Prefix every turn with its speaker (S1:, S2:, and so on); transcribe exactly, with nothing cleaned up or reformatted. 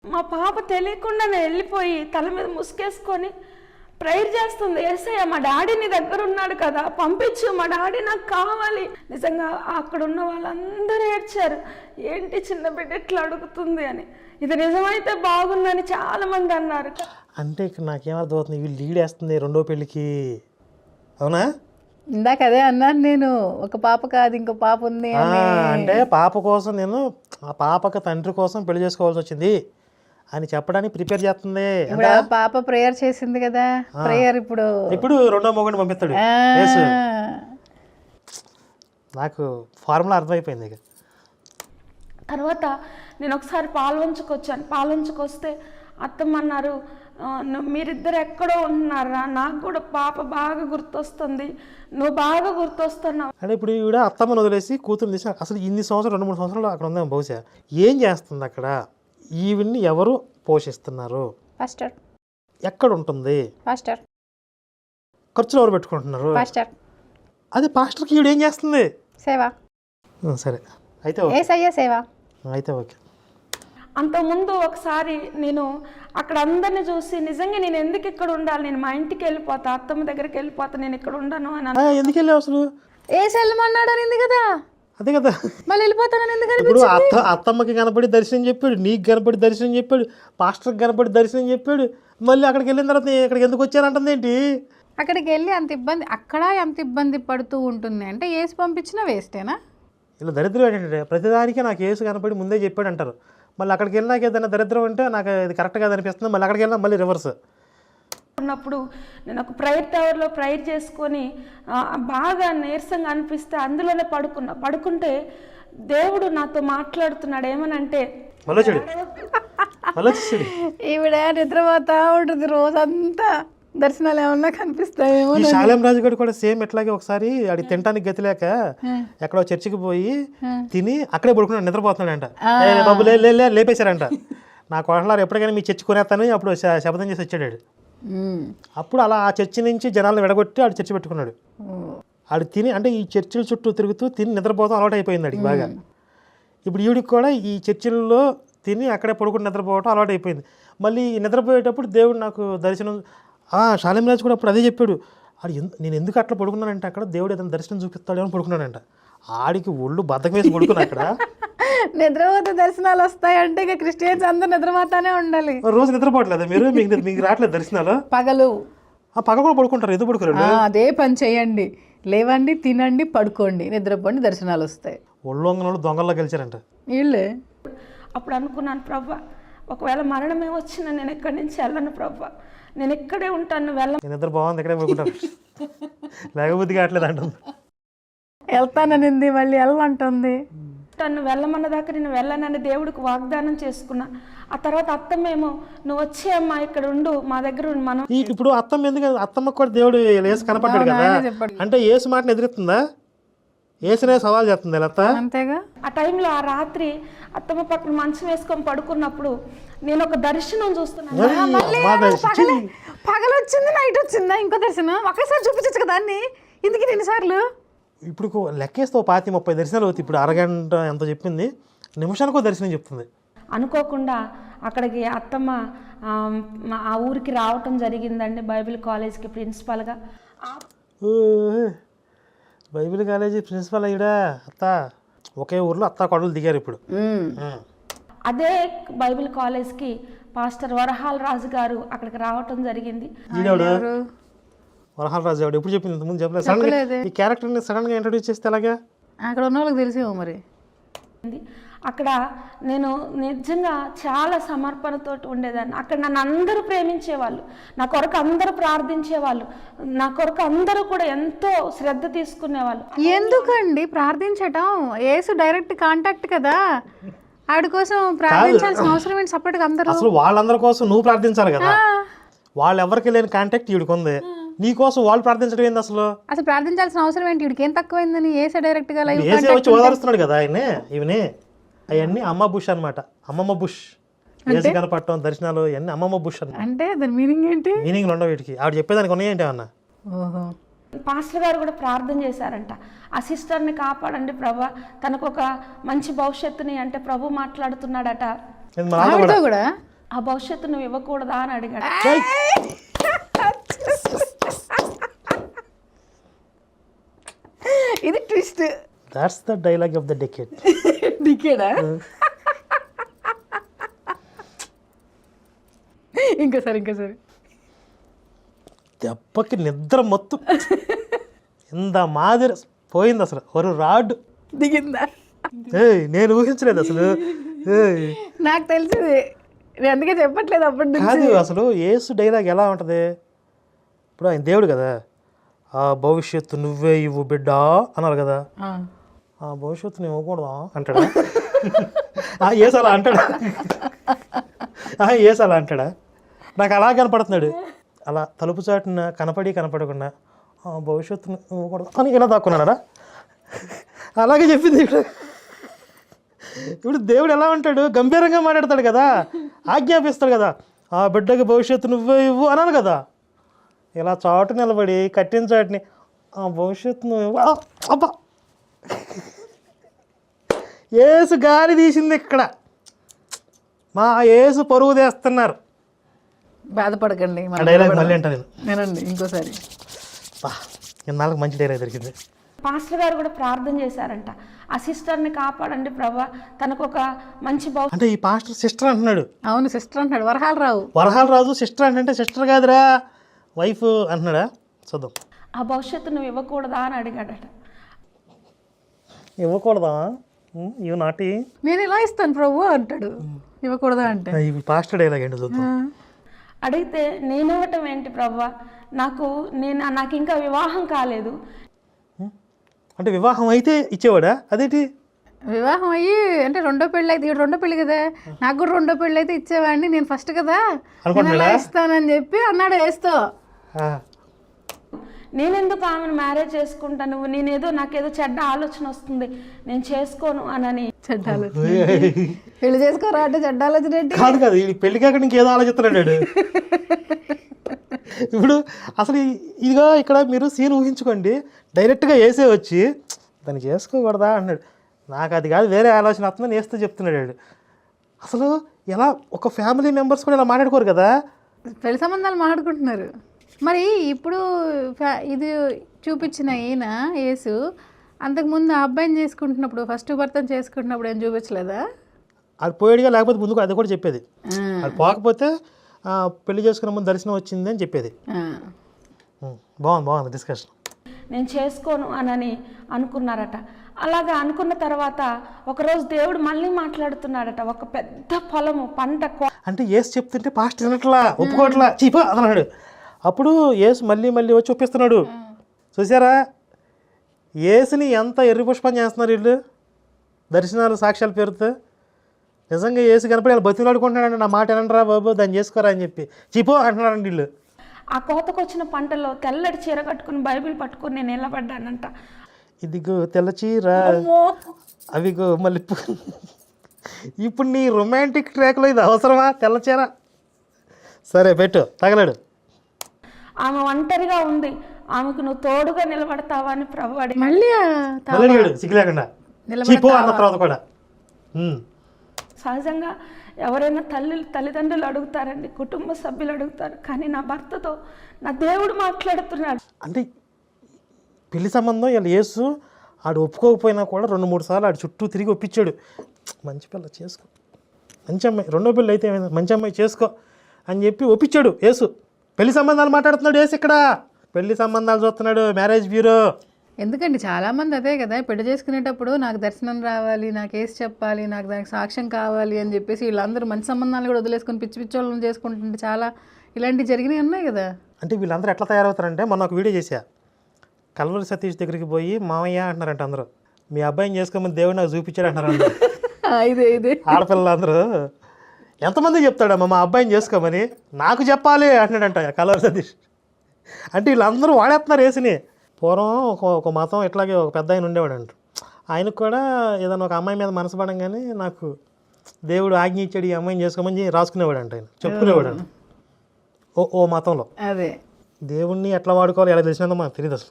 S1: మా పాప తెలియకుండానే వెళ్ళిపోయి తల మీద ముసుకేసుకొని ప్రేయర్ చేస్తుంది. యేసయ్య మా డాడీ నీ దగ్గర ఉన్నాడు కదా, పంపించు, మా డాడీ నాకు కావాలి. నిజంగా అక్కడ ఉన్న వాళ్ళందరూ ఏడ్చారు, ఏంటి చిన్న బిడ్డ ఎట్లా అడుగుతుంది అని. ఇది నిజమైతే బాగుందని చాలా మంది అన్నారు.
S2: అంటే ఇక్కడ నాకేమర్థం అవుతుంది, వీళ్ళు లీడ్ వేస్తుంది రెండో పెళ్ళికి, అవునా?
S3: ఇందాక అదే అన్నాను నేను, ఒక పాప కాదు ఇంకో పాప ఉంది
S2: అంటే పాప కోసం నేను ఆ పాపకు తండ్రి కోసం పెళ్లి చేసుకోవాల్సి వచ్చింది అని చెప్పడానికి ప్రిపేర్ చేస్తుంది.
S3: ఇప్పుడు ఆ పాప ప్రేయర్ చేసింది కదా, ప్రేయర్ ఇప్పుడు
S2: ఇప్పుడు రెండో మొగుడిని పంపిస్తాడు. నాకు ఫార్ములా అర్థమైపోయింది. ఇక
S1: తర్వాత నేను ఒకసారి పాల్వంచుకొచ్చాను. పాల్వంచుకొస్తే అత్తమ్మ అన్నారు, మీరిద్దరు ఎక్కడో ఉంటున్నారా, నాకు కూడా పాప బాగా గుర్తొస్తుంది, నువ్వు బాగా గుర్తొస్తున్నావు
S2: అంటే ఇప్పుడు ఈవిడ అత్తమ్మను వదిలేసి కూతురు తీసి అసలు ఇన్ని సంవత్సరాలు రెండు మూడు సంవత్సరాలు అక్కడ ఉందాం, బహుశా ఏం చేస్తుంది అక్కడ, ఈవిడ్ని ఎవరు పోషిస్తున్నారు,
S3: పాస్టర్
S2: ఎక్కడ ఉంటుంది,
S3: పాస్టర్
S2: ఖర్చులు ఎవరు పెట్టుకుంటున్నారు,
S3: పాస్టర్
S2: అది పాస్టర్కి ఈవిడ ఏం చేస్తుంది,
S3: సేవ.
S2: సరే అయితే
S3: యేసయ్య సేవ.
S2: అయితే ఓకే.
S1: అంతకుముందు ఒకసారి నేను అక్కడ అందరిని చూసి నిజంగా నేను ఎందుకు ఇక్కడ ఉండాలి, నేను మా ఇంటికి వెళ్ళిపోతా, అత్తమ్మ దగ్గరికి వెళ్ళిపోతా, నేను ఇక్కడ ఉండను అని.
S2: ఎందుకు వెళ్ళావు అసలు?
S3: ఏ సెల్మన్నాడు అనింది కదా,
S2: అదే కదా
S3: మళ్ళీ వెళ్ళిపోతానని ఎందుకు?
S2: ఇప్పుడు అత్త అత్తమ్మకి కనపడి దర్శనం చెప్పాడు, నీకు కనపడి దర్శనం చెప్పాడు, పాస్టర్కి కనపడి దర్శనం చెప్పాడు, మళ్ళీ అక్కడికి వెళ్ళిన తర్వాత ఇక్కడికి ఎందుకు వచ్చారంటుంది ఏంటి?
S3: అక్కడికి వెళ్ళి అంత ఇబ్బంది, అక్కడ ఎంత ఇబ్బంది పడుతూ ఉంటుంది అంటే ఏసు పంపించినా వేస్టేనా?
S2: ఇలా దరిద్రం ఏంటంటే ప్రతిదానికి నాకు ఏసు కనపడి ముందే చెప్పాడు అంటారు, మళ్ళీ అక్కడికి వెళ్ళినాక ఏదైనా దరిద్రం అంటే నాకు ఇది కరెక్ట్గా అనిపిస్తుంది, మళ్ళీ అక్కడికి వెళ్ళినా మళ్ళీ రివర్స్.
S1: ఉన్నప్పుడు నేను ఒక ప్రేయర్ టవర్లో ప్రేయర్ చేసుకొని బాగా నీరసంగా అనిపిస్తే అందులోనే పడుకున్నా. పడుకుంటే దేవుడు నాతో మాట్లాడుతున్నాడు, ఏమనంటే
S3: ఈవిడ నిద్రపోతా ఉంటుంది రోజంతా, దర్శనాలు ఏమన్నా కనిపిస్తాయేమో.
S2: ఈ శాలేం రాజు గారు కూడా సేమ్ ఎట్లాగే ఒకసారి అది తినడానికి గతి లేక ఎక్కడో చర్చికి పోయి తిని అక్కడే పడుకున్నాడు, నిద్రపోతున్నాడంట. బాబు లే లే లేపేశారంట. నా కోటలారు ఎప్పటికైనా మీ చర్చి కొనేస్తాను అప్పుడు శపథం చేసి వచ్చాడు. అప్పుడు అలా ఆ చర్చి నుంచి జనాలను విడగొట్టి ఆడు చర్చి పెట్టుకున్నాడు. ఆడు తిని అంటే ఈ చర్చిల చుట్టూ తిరుగుతూ తిని నిద్రపోతాం అలవాటు అయిపోయింది ఆడికి బాగా. ఇప్పుడు ఈవిడికి కూడా ఈ చర్చిల్లో తిని అక్కడే పడుకుని నిద్రపోవటం అలవాటు అయిపోయింది. మళ్ళీ నిద్రపోయేటప్పుడు దేవుడు నాకు దర్శనం, శాలేం రాజు కూడా అప్పుడు అదే చెప్పాడు, ఆడు ఎందు నేను ఎందుకు అట్లా పడుకున్నానంటే అక్కడ దేవుడు ఏదైనా దర్శనం చూపిస్తాడేమో పడుకున్నాడంట. ఆడికి ఒళ్ళు బద్దకం వేసి పడుకున్నా అక్కడ.
S3: నిద్రపోతే దర్శనాలు వస్తాయంటే ఇక క్రిస్టియన్స్ అందరూ నిద్రపోతానే ఉండాలి.
S2: రోజు నిద్రపోవట్లేదు మీరు? మీకు మీకు రావట్లేదు దర్శనాలు?
S3: పగలు
S2: పగలు కూడా పడుకుంటారు, ఎందుకు పడుకోరు?
S3: అదే పని చేయండి, లేవండి, తినండి, పడుకోండి, నిద్రపోండి, దర్శనాలు వస్తాయి.
S2: ఒళ్ళొంగనోళ్ళు దొంగల్లో గెలిచారంట
S3: వీళ్ళే.
S1: అప్పుడు అనుకున్నాను, ప్రభా ఒకవేళ మరణమే వచ్చినా నేను ఎక్కడి నుంచి వెళ్ళను ప్రభా, నేను ఇక్కడే ఉంటాను, వెళ్ళ.
S2: నిద్ర బాగుంది ఇక్కడే పడుకుంటాను, లేకపోతే కావట్లేదు అంటుంది.
S3: వెళ్తాననింది మళ్ళీ వెళ్ళమంటుంది.
S1: తను వెళ్ళమన్నదాకా నేను వెళ్ళనని దేవుడికి వాగ్దానం చేసుకున్నా. ఆ తర్వాత అత్తమ్మేమో నువ్వు వచ్చే అమ్మా ఇక్కడ ఉండు, మా దగ్గర ఉండు. మనం
S2: ఇప్పుడు అత్తమ్మ ఎందుకు, అత్తమ్మకు కూడా దేవుడు ఏసు కనపడ్డాడు కదా, అంటే ఏసు మాటను ఎదురెత్తుందా, ఏసునే సవాల్ చేస్తుంది అత్త.
S3: అంతేగా.
S1: ఆ టైంలో ఆ రాత్రి అత్తమ్మ పక్కన మంచం వేసుకొని పడుకున్నప్పుడు నేను ఒక దర్శనం చూస్తున్నాను.
S3: పగలు వచ్చింది, నైట్ వచ్చిందా ఇంకో దర్శనం? ఒకేసారి చూపించచ్చు కదా అన్ని, ఇందుకు రెండుసార్లు.
S2: ఇప్పుడు లెక్కేస్తే పాతి ముప్పై దర్శనాలు అవుతాయి. ఇప్పుడు అరగంట ఎంత చెప్పింది, నిమిషానికో దర్శనం చెప్తుంది.
S1: అనుకోకుండా అక్కడికి అత్తమ్మ ఆ ఊరికి రావటం జరిగిందండి, బైబిల్ కాలేజ్కి ప్రిన్సిపాల్గా.
S2: బైబిల్ కాలేజీ ప్రిన్సిపల్ అయ్యాడా అత్త? ఒకే ఊర్లో అత్త కొడలు దిగారు ఇప్పుడు.
S1: అదే బైబిల్ కాలేజ్కి పాస్టర్ వరహాల రాజు గారు అక్కడికి రావటం జరిగింది.
S2: వరహాల రాజు గారు ఎప్పుడు చెప్పింది, ముందు చెప్పలేదు. సడన్ ఈ క్యారెక్టర్ని సడన్ గా ఇంట్రడ్యూస్ చేస్తే ఎలాగా?
S3: అక్కడ ఉన్న వాళ్ళకి తెలిసేమో మరి.
S1: అక్కడ నేను నిజంగా చాలా సమర్పణతో ఉండేదాన్ని. అక్కడ నన్ను అందరూ ప్రేమించేవాళ్ళు, నా కొరకు అందరూ ప్రార్థించేవాళ్ళు, నా కొరకు అందరూ కూడా ఎంతో శ్రద్ధ తీసుకునేవాళ్ళు.
S3: ఎందుకండి ప్రార్థించటం? యేసు డైరెక్ట్ కాంటాక్ట్ కదా, ఆడి కోసం ప్రార్థించాల్సిన అవసరం ఏంటి సపరేట్గా? అందరూ
S2: అసలు వాళ్ళందరి కోసం నువ్వు ప్రార్థించాలి కదా, వాళ్ళు ఎవరికి లేని కాంటాక్ట్ వీడికి ఉంది, నీ కోసం వాళ్ళు ప్రార్థించడం ఏంది అసలు?
S3: అసలు ప్రార్థించాల్సిన అవసరం ఏంటి? వీడికి ఏం తక్కువైందని ఏసే డైరెక్ట్ గా లైవ్
S2: వచ్చి ఓదారుస్తున్నాడు కదా ఆయన్ని. ఇవన్నీ అవన్నీ అమ్మ బుష్ అనమాట, అమ్మమ్మ బుష్. ఏసు కనపడటం దర్శనాలు ఇవన్నీ అమ్మమ్మ బుష్ అన్నమాట.
S3: అంటే దాని మీనింగ్ ఏంటి?
S2: మీనింగ్ ఉండవు వీటికి, ఆవిడ చెప్పేదానికి ఉన్నాయంటే అన్న.
S1: పాస్టర్ గారు కూడా ప్రార్థన చేశారంట, ఆ సిస్టర్ని కాపాడండి ప్రభా, తనకు ఒక మంచి భవిష్యత్తుని అంటే ప్రభు మాట్లాడుతున్నాడట. ఆ భవిష్యత్తు నువ్వు ఇవ్వకూడదా అని అడిగాడు.
S3: ఇది twist.
S2: That's the dialogue of the decade.
S3: డికేడా? ఇంకోసారి ఇంకోసారి.
S2: దెబ్బకి నిద్ర మొత్తం ఇంత మాదిరి పోయింది అసలు. ఒక రాడ్
S3: దిగిందా?
S2: ఏయ్ నేను ఊహించలేదు అసలు. ఏయ్
S3: నాకు తెలిసింది, నేను అందుకే చెప్పట్లేదు అప్పటి నుంచి.
S2: కాదు అసలు యేసు డైలాగ్ ఎలా ఉంటుంది, ఇప్పుడు ఆయన దేవుడు కదా, ఆ భవిష్యత్తు నువ్వే ఇవ్వు బిడ్డా అన్నారు కదా, ఆ భవిష్యత్తు నువ్వు ఇవ్వకూడదా అంటాడా? ఆ యేసు అలా అంటాడా? ఆ యేసు అలా అంటాడా? నాకు అలా కనపడుతున్నాడు, అలా తలుపు చాటున కనపడి కనపడకుండా ఆ భవిష్యత్తును ఇవ్వకూడదు అని ఇలా దాక్కున్నాడా? అలాగే చెప్పింది ఇప్పుడు. ఇప్పుడు దేవుడు ఎలా ఉంటాడు, గంభీరంగా మాట్లాడతాడు కదా, ఆజ్ఞాపిస్తాడు కదా, ఆ బిడ్డకి భవిష్యత్తు నువ్వే ఇవ్వు అనాలి కదా. ఇలా చాటు నిలబడి కట్టిన చాటుని ఆ భవిష్యత్తు నువ్వు ఇవ్వు. ఆ, అబ్బా యేసు గాలి తీసింది ఇక్కడ, మా యేసు పరువు తీస్తున్నారు.
S3: బాధపడకండి.
S2: ఆ డైలాగ్ మళ్ళీ అంటా నేను.
S3: నేనండి ఇంకోసారి.
S2: బా ఇన్నాళ్ళకి మంచి డైలాగ్ దొరికింది.
S1: పాస్టర్ గారు కూడా ప్రార్థన చేశారంట, ఆ సిస్టర్ని కాపాడండి ప్రభా, తనకు ఒక మంచి భవిష్యత్తు.
S2: అంటే ఈ పాస్టర్ సిస్టర్ అంటున్నాడు.
S3: అవును సిస్టర్ అంటున్నాడు, వరహాల రావు.
S2: వరహాల రాజు సిస్టర్ అంటే సిస్టర్ కాదురా వైఫ్ అంటున్నాడా? చూద్దాం.
S1: ఆ భవిష్యత్తు నువ్వు ఇవ్వకూడదా అని అడిగాడట.
S2: ఇవ్వకూడదా? ఇవి నాటి
S3: నేను ఇలా ఇస్తాను ప్రభు అంటాడు, ఇవ్వకూడదా అంటే.
S2: ఇవి పాస్టర్ డైలాగ్ ఏంటో చూద్దాం.
S1: అడిగితే నేను ఇవ్వటం ఏంటి ప్రభా, నాకు నేను నాకు ఇంకా వివాహం కాలేదు.
S2: అంటే వివాహం అయితే ఇచ్చేవాడా? అదేంటి
S3: వివాహం అయ్యి అంటే రెండో పెళ్ళి అయితే, రెండో పెళ్ళి కదా, నాకు కూడా రెండో పెళ్ళి అయితే ఇచ్చేవాడిని, నేను ఫస్ట్ కదా నేను ఎలా ఇస్తానని చెప్పి అన్నాడు వేస్తో.
S1: నేనెందుకు ఆమెను మ్యారేజ్ చేసుకుంటా, నువ్వు నేనేదో నాకేదో చెడ్డ ఆలోచన వస్తుంది నేను చేసుకోను అనని.
S3: చెడ్డ ఆలోచన? పెళ్లి చేసుకోరా అంటే చెడ్డ ఆలోచన ఏంటి?
S2: కాదు కాదు, ఈ పెళ్లి కాక ఇంకేదో ఆలోచిస్తున్నాడు. ఇప్పుడు అసలు ఇదిగో ఇక్కడ మీరు సీన్ ఊహించుకోండి, డైరెక్ట్గా వేసే వచ్చి దాన్ని చేసుకోకూడదా అన్నాడు. నాకు అది కాదు వేరే ఆలోచన వస్తుందని వేస్తూ చెప్తున్నాడు. అసలు ఎలా ఒక ఫ్యామిలీ మెంబర్స్ కూడా ఇలా మాట్లాడుకోరు కదా.
S3: పెళ్లి సంబంధాలు మాట్లాడుకుంటున్నారు. మరి ఇప్పుడు ఇది చూపించిన ఈయన యేసు అంతకుముందు ఆ అబ్బాయిని చేసుకుంటున్నప్పుడు, ఫస్ట్ భర్తను చేసుకుంటున్నప్పుడు ఏం చూపించలేదా? అది
S2: పోయాడుగా, లేకపోతే ముందుకు అది కూడా చెప్పేది. అది పోకపోతే పెళ్లి చేసుకున్న ముందు దర్శనం వచ్చింది అని చెప్పేది. బాగుంది బాగుంది డిస్కషన్.
S1: నేను చేసుకోను అనని అనుకున్నారట. అలాగా అనుకున్న తర్వాత ఒకరోజు దేవుడు మళ్ళీ మాట్లాడుతున్నాడట. ఒక పెద్ద పొలము పంట
S2: అంటే యేసు చెప్తుంటే పాస్టర్ వినట్లా, ఒప్పుకోవట్లా, చీపా అన్నాడు. అప్పుడు యేసు మళ్ళీ మళ్ళీ వచ్చి ఒప్పిస్తున్నాడు. చూసారా యేసుని ఎంత ఎర్రి పుష్పం చేస్తున్నారు వీళ్ళు, దర్శనాలు సాక్ష్యాల పేరుతో. నిజంగా యేసు కనపడి వాళ్ళు బతిలాడుకుంటున్నాడండి, నా మాట ఏనంటారా బాబు దాన్ని చేసుకోరా అని చెప్పి చీపో అంటున్నారండి వీళ్ళు.
S1: ఆ కోతకొచ్చిన పంటలో తెల్లటి చీర కట్టుకుని బైబిల్ పట్టుకుని నేను నిలబడ్డానంట.
S2: ఇదిగో తెల్ల చీర, అవిగో మళ్ళీ ఇప్పుడు నీ రొమాంటిక్ ట్రాక్లో ఇది అవసరమా తెల్ల చీర? సరే పెట్టు తగలడు.
S1: ఆమె ఒంటరిగా ఉంది, ఆమెకు నువ్వు తోడుగా నిలబడతావా అని ప్రభు అడిగాడు.
S3: మళ్ళీ
S2: సిగ్గు లేకుండా చీపో అన్న తర్వాత కూడా.
S1: సహజంగా ఎవరైనా తల్లి తల్లిదండ్రులు అడుగుతారండి, కుటుంబ సభ్యులు అడుగుతారు, కానీ నా భర్తతో నా దేవుడు మాట్లాడుతున్నాడు.
S2: అంటే పెళ్లి సంబంధం వీళ్ళు యేసు ఆడు ఒప్పుకోకపోయినా కూడా రెండు మూడు సార్లు ఆడు చుట్టూ తిరిగి ఒప్పించాడు. మంచి పిల్ల చేసుకో, మంచి అమ్మాయి, రెండో పెళ్ళి అయితే ఏమైంది, మంచి అమ్మాయి చేసుకో అని చెప్పి ఒప్పించాడు యేసు. పెళ్లి సంబంధాలు మాట్లాడుతున్నాడు యేసు, ఇక్కడ పెళ్లి సంబంధాలు చూస్తున్నాడు, మ్యారేజ్ బ్యూరో.
S3: ఎందుకండి చాలామంది అదే కదా, పెళ్లి చేసుకునేటప్పుడు నాకు దర్శనం రావాలి, నాకు వేసి చెప్పాలి, నాకు దానికి సాక్ష్యం కావాలి అని చెప్పేసి వీళ్ళందరూ మంచి సంబంధాలు కూడా వదిలేసుకొని పిచ్చి పిచ్చి వాళ్ళని చేసుకుంటుంటే చాలా ఇలాంటివి జరిగినాయి ఉన్నాయి కదా. అంటే
S2: వీళ్ళందరూ ఎట్లా తయారవుతారంటే, మొన్న ఒక వీడియో చేశా, కల్వరి సతీష్ దగ్గరికి పోయి మామయ్య అంటున్నారంట అందరూ, మీ అబ్బాయిని చేసుకోమని దేవుడు నాకు చూపించాడు అంటారు.
S3: ఇదే ఇదే
S2: ఆడపిల్లలు అందరూ ఎంతమంది చెప్తాడమ్మా మా అబ్బాయిని చేసుకోమని, నాకు చెప్పాలి అంటున్నాడంట కల్వరి సతీష్. అంటే వీళ్ళందరూ వాడేస్తున్నారు యేసుని. పూర్వం ఒక ఒక మతం ఇట్లాగే ఒక పెద్ద ఆయన ఉండేవాడు అంట, ఆయనకు కూడా ఏదైనా ఒక అమ్మాయి మీద మనసు పడంగానే నాకు దేవుడు ఆజ్ఞ ఇచ్చాడు ఈ అమ్మాయిని చేసుకోమని రాసుకునేవాడు అంట, ఆయన చెప్పుకునేవాడు అంట. ఓ ఓ మతంలో.
S3: అదే
S2: దేవుణ్ణి ఎట్లా వాడుకోవాలి ఎలా తెలిసినందో మనకు తెలియదు అసలు.